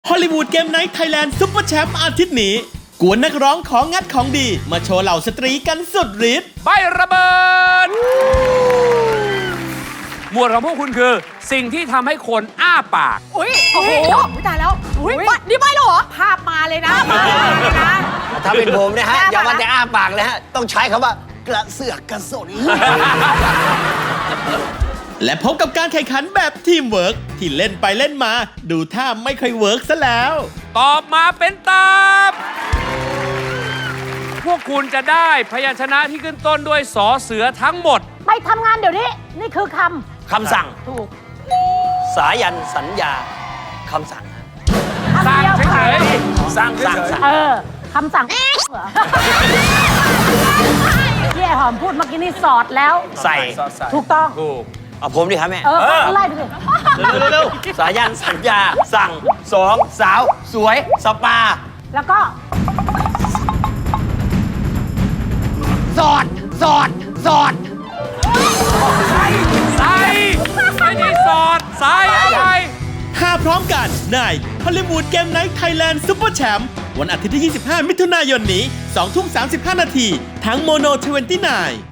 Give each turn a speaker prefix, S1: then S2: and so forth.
S1: ฮอลลีวูดเกมไนท์ไทยแลนด์ซุปเปอร์แชมป์อาทิตย์นี้กวนนักร้องของงัดของดีมาโชว์เหล่าสตรีกันสุดฤทธิ์
S2: ใบระเบิด หมวดของพวกคุณคือ สิ่งที่ทำให้คนอ้าปาก
S3: อุ้ยโอ้โหตายแล้วอุ้ยนี่ไม่หรอภาพมาเลยนะภาพมาเลยนะ
S4: ถ้าเป็นผมนะฮะ อย่าว่าแต่อ้าปากเลยฮะ ต้องใช้คำว่ากระเสือกกระสน
S1: และพบกับการแข่งขันแบบทีมเวิร์กที่เล่นไปเล่นมาดูท่าไม่ค่อยเวิร์กซะแล้ว
S2: ตอบมาเป็นตามพวกคุณจะได้พยัญชนะที่ขึ้นต้นด้วยสอเสือทั้งหมด
S5: ไปทำงานเดี๋ยวนี้ นี่คือค
S4: คำสั่ง
S5: ำถูก
S4: สายันสัญญาคำสั่งฮะ
S5: คำเดียว
S2: สั่งเฉย
S4: สั่ง
S5: คำสั่งเหรอที่ไอ้หอมพูดเมื่อกี้นี่สอดแล้ว
S4: ใส่
S5: ถูกต้อง
S2: ถูก
S4: เอาผมดิครับแม่
S5: ไล่ไปสิ
S4: เร็วๆสายันสัญญา สั่งสองสาว สวย สปา
S5: แล้วก็
S4: สอด สอด สอด
S2: ใส่ไม่ได้สอดใส่อะไร
S1: หาพร้อมกันในฮอลลีวูดเกมไนท์ไทยแลนด์ซุปเปอร์แชมป์วันอาทิตย์ที่ 25 มิถุนายนนี้ 2 ทุ่ม 35 นาทีทางโมโน29